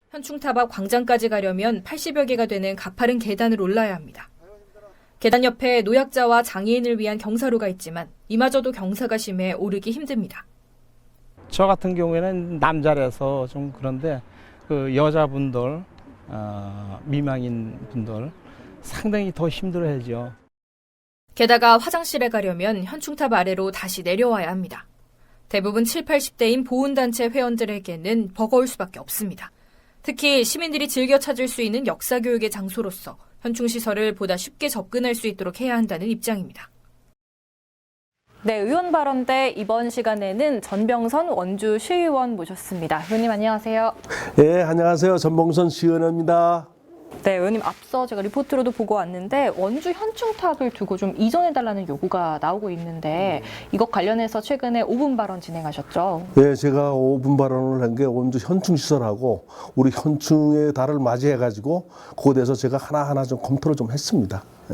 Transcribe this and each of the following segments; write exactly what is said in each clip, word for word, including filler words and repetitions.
현충탑 앞 광장까지 가려면 팔십여 개가 되는 가파른 계단을 올라야 합니다. 계단 옆에 노약자와 장애인을 위한 경사로가 있지만 이마저도 경사가 심해 오르기 힘듭니다. 저 같은 경우에는 남자라서 좀 그런데 그 여자분들, 어, 미망인 분들 상당히 더 힘들어하죠. 게다가 화장실에 가려면 현충탑 아래로 다시 내려와야 합니다. 대부분 칠십, 팔십 대인 보훈단체 회원들에게는 버거울 수밖에 없습니다. 특히 시민들이 즐겨 찾을 수 있는 역사교육의 장소로서 현충시설을 보다 쉽게 접근할 수 있도록 해야 한다는 입장입니다. 네, 의원 발언대 이번 시간에는 전병선 원주 시의원 모셨습니다. 의원님 안녕하세요. 네, 안녕하세요. 전병선 시의원입니다. 네, 의원님 앞서 제가 리포트로도 보고 왔는데 원주 현충탑을 두고 좀 이전해달라는 요구가 나오고 있는데 이것 관련해서 최근에 오 분 발언 진행하셨죠? 네, 제가 오 분 발언을 한 게 원주 현충시설하고 우리 현충의 달을 맞이해가지고 그거에 대해서 제가 하나하나 좀 검토를 좀 했습니다. 네.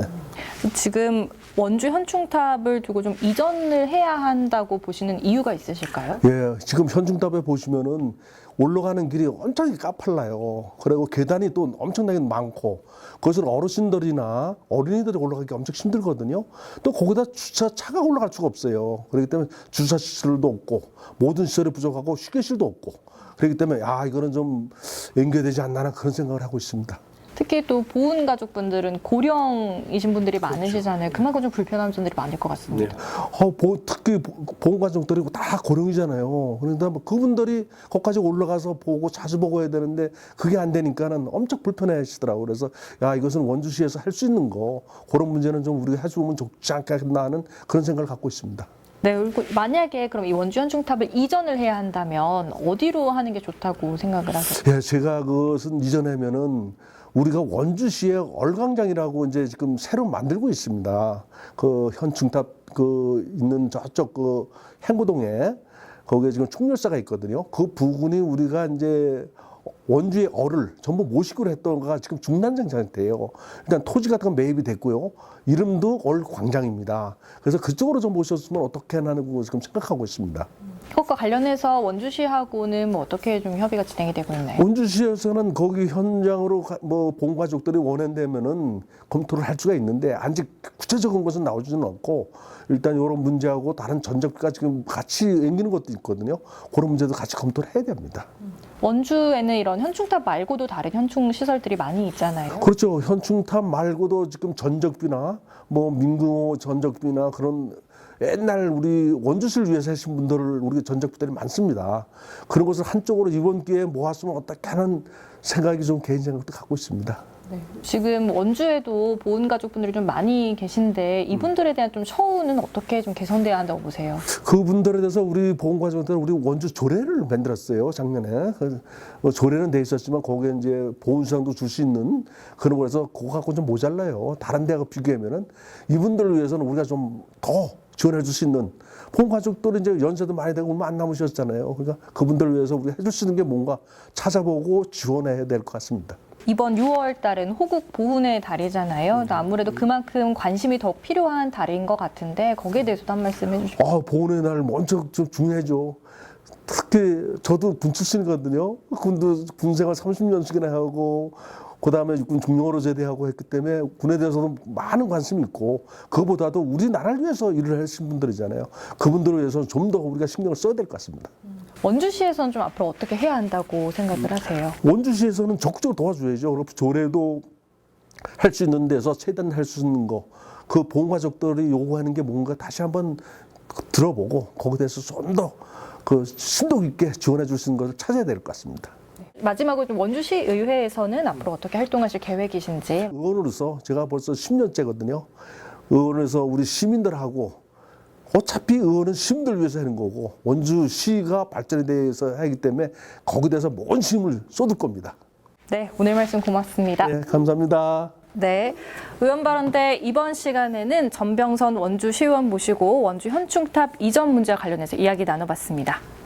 지금 원주 현충탑을 두고 좀 이전을 해야 한다고 보시는 이유가 있으실까요? 예, 지금 현충탑에 보시면은 올라가는 길이 엄청나게 까팔라요. 그리고 계단이 또 엄청나게 많고 그것은 어르신들이나 어린이들이 올라가기 엄청 힘들거든요. 또 거기다 주차차가 올라갈 수가 없어요. 그렇기 때문에 주차시설도 없고 모든 시설이 부족하고 휴게실도 없고 그렇기 때문에 아 이거는 좀 연계되지 않나 그런 생각을 하고 있습니다. 특히 또 보훈 가족분들은 고령이신 분들이 많으시잖아요. 그만큼 좀 불편한 점들이 많을 것 같습니다. 네. 어, 보, 특히 보훈 가족들이 다 고령이잖아요. 그런데 뭐 그분들이 거기까지 올라가서 보고 자주 보고 해야 되는데 그게 안 되니까는 엄청 불편해하시더라고요. 그래서 야 이것은 원주시에서 할 수 있는 거 그런 문제는 좀 우리가 해주면 좋지 않겠나 하는 그런 생각을 갖고 있습니다. 네, 그리고 만약에 그럼 이 원주 현충탑을 이전을 해야 한다면 어디로 하는 게 좋다고 생각을 하세요? 예, 제가 그것은 이전하면은 우리가 원주시에 얼광장이라고 이제 지금 새로 만들고 있습니다. 그 현충탑 그 있는 저쪽 그 행구동에 거기에 지금 총열사가 있거든요. 그 부근이 우리가 이제 원주의 얼을 전부 모시기로 했던 거가 지금 중단장 상태예요. 일단 토지 같은 건 매입이 됐고요. 이름도 얼광장입니다. 그래서 그쪽으로 좀 모셨으면 어떻게 하는 거 지금 생각하고 있습니다. 그것과 관련해서 원주시하고는 뭐 어떻게 좀 협의가 진행이 되고 있나요? 원주시에서는 거기 현장으로 가, 뭐 본가족들이 원한다면은 검토를 할 수가 있는데 아직 구체적인 것은 나오지는 않고 일단 이런 문제하고 다른 전적비가 지금 같이 앵기는 것도 있거든요. 그런 문제도 같이 검토를 해야 됩니다. 원주에는 이런 현충탑 말고도 다른 현충 시설들이 많이 있잖아요. 그렇죠. 현충탑 말고도 지금 전적비나 뭐 민궁호 전적비나 그런 옛날 우리 원주시를 위해서 하신 분들을 우리 전적비들이 많습니다. 그런 것을 한쪽으로 이번 기회에 모았으면 어떻게 하는 생각이 좀 개인 생각도 갖고 있습니다. 네. 지금 원주에도 보훈 가족분들이 좀 많이 계신데 이분들에 대한 좀 처우는 어떻게 좀 개선돼야 한다고 보세요? 그분들에 대해서 우리 보훈가족들은 우리 원주 조례를 만들었어요 작년에. 뭐 조례는 돼 있었지만 거기에 이제 보훈수당도 줄 수 있는 그런 거라서 그거 갖고 좀 모자라요. 다른 데하고 비교하면은 이분들을 위해서는 우리가 좀 더 지원해 줄 수 있는 보훈가족들은 이제 연세도 많이 되고 얼마 안 남으셨잖아요. 그러니까 그분들을 위해서 우리가 해줄 수 있는 게 뭔가 찾아보고 지원해야 될 것 같습니다. 이번 유월 달은 호국 보훈의 달이잖아요. 아무래도 그만큼 관심이 더 필요한 달인 것 같은데 거기에 대해서도 한 말씀 해주시죠. 아, 보훈의 날 먼저 좀 중요하죠. 특히 저도 군 출신이거든요. 군도 군생활 삼십 년씩이나 하고 그다음에 육군 중령으로 제대하고 했기 때문에 군에 대해서도 많은 관심이 있고 그거보다도 우리나라를 위해서 일을 하신 분들이잖아요. 그분들을 위해서 좀 더 우리가 신경을 써야 될 것 같습니다. 원주시에서는 좀 앞으로 어떻게 해야 한다고 생각을 하세요? 원주시에서는 적극적으로 도와줘야죠. 그리고 조례도 할 수 있는 데서 최대한 할 수 있는 거, 그 보훈가족들이 요구하는 게 뭔가 다시 한번 들어보고 거기에 대해서 좀 더 그 심도 있게 지원해 줄 수 있는 것을 찾아야 될 것 같습니다. 마지막으로 좀 원주시 의회에서는 앞으로 어떻게 활동하실 계획이신지. 의원으로서 제가 벌써 십 년째거든요. 의원에서 우리 시민들하고 어차피 의원은 시민들 위해서 하는 거고 원주시가 발전에 대해서 하기 때문에 거기에 대해서 모든 힘을 쏟을 겁니다. 네, 오늘 말씀 고맙습니다. 네, 감사합니다. 네, 의원 발언대 이번 시간에는 전병선 원주 시의원 모시고 원주 현충탑 이전 문제와 관련해서 이야기 나눠봤습니다.